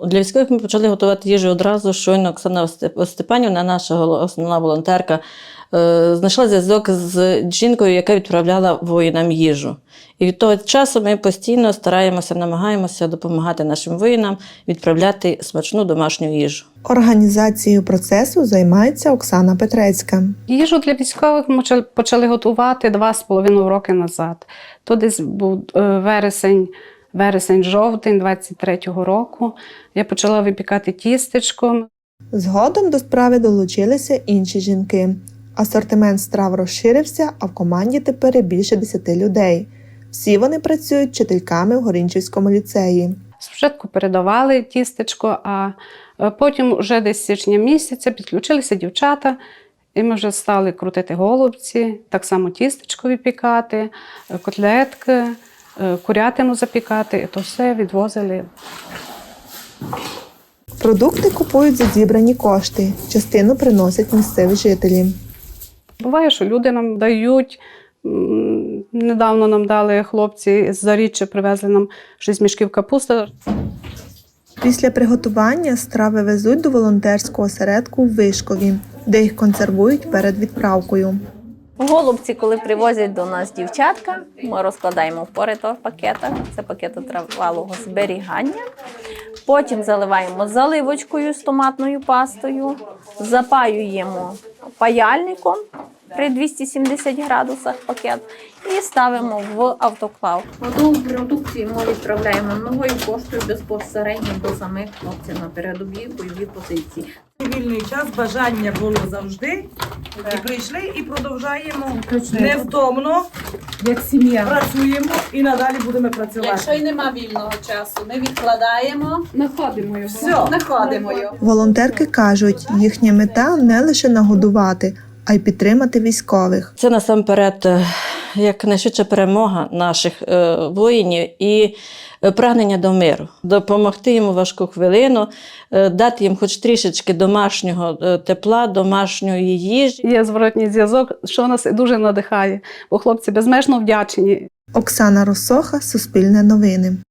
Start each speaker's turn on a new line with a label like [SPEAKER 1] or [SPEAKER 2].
[SPEAKER 1] Для військових ми почали готувати їжу одразу, щойно Оксана Степанівна, наша основна волонтерка, знайшла зв'язок з жінкою, яка відправляла воїнам їжу. І від того часу ми постійно стараємося, намагаємося допомагати нашим воїнам відправляти смачну домашню їжу.
[SPEAKER 2] Організацією процесу займається Оксана Петрецька.
[SPEAKER 3] Їжу для військових ми почали готувати 2,5 роки назад. То десь був вересень-жовтень 23-го року. Я почала випікати тістечко.
[SPEAKER 2] Згодом до справи долучилися інші жінки. Асортимент страв розширився, а в команді тепер більше 10 людей. Всі вони працюють вчительками в Горинчівському ліцеї.
[SPEAKER 3] Спочатку передавали тістечко, а потім вже десь з січня місяця підключилися дівчата, і ми вже стали крутити голубці, так само тістечко випікати, котлетки, курятину запікати, і то все відвозили.
[SPEAKER 2] Продукти купують за зібрані кошти, частину приносять місцеві жителі.
[SPEAKER 3] Буває, що люди нам дають. Недавно нам дали хлопці з Заріччя, привезли нам 6 мішків капусти.
[SPEAKER 2] Після приготування страви везуть до волонтерського осередку в Вишкові, де їх консервують перед відправкою.
[SPEAKER 4] Голубці, коли привозять до нас дівчатка, ми розкладаємо в поритор-пакетах, це пакети тривалого зберігання. Потім заливаємо заливочкою з томатною пастою, запаюємо паяльником при 270 градусах пакет і ставимо в автоклав. Готову продукцію ми відправляємо новою поштою безпосередньо до самих хлопців на передовій бойові позиції.
[SPEAKER 5] Вільний час, бажання було завжди. І прийшли і продовжаємо невтомно,
[SPEAKER 6] як сім'я.
[SPEAKER 5] Працюємо і надалі будемо працювати.
[SPEAKER 6] Якщо й нема вільного часу, ми відкладаємо, знаходимо його.
[SPEAKER 5] Все.
[SPEAKER 6] Знаходимо його.
[SPEAKER 2] Волонтерки кажуть, їхня мета не лише нагодувати, а й підтримати військових.
[SPEAKER 1] Це насамперед якнайшвидша перемога наших воїнів і прагнення до миру. Допомогти їм у важку хвилину, дати їм хоч трішечки домашнього тепла, домашньої їжі.
[SPEAKER 3] Є зворотній зв'язок, що нас дуже надихає, бо хлопці безмежно вдячні.
[SPEAKER 2] Оксана Росоха, Суспільне новини.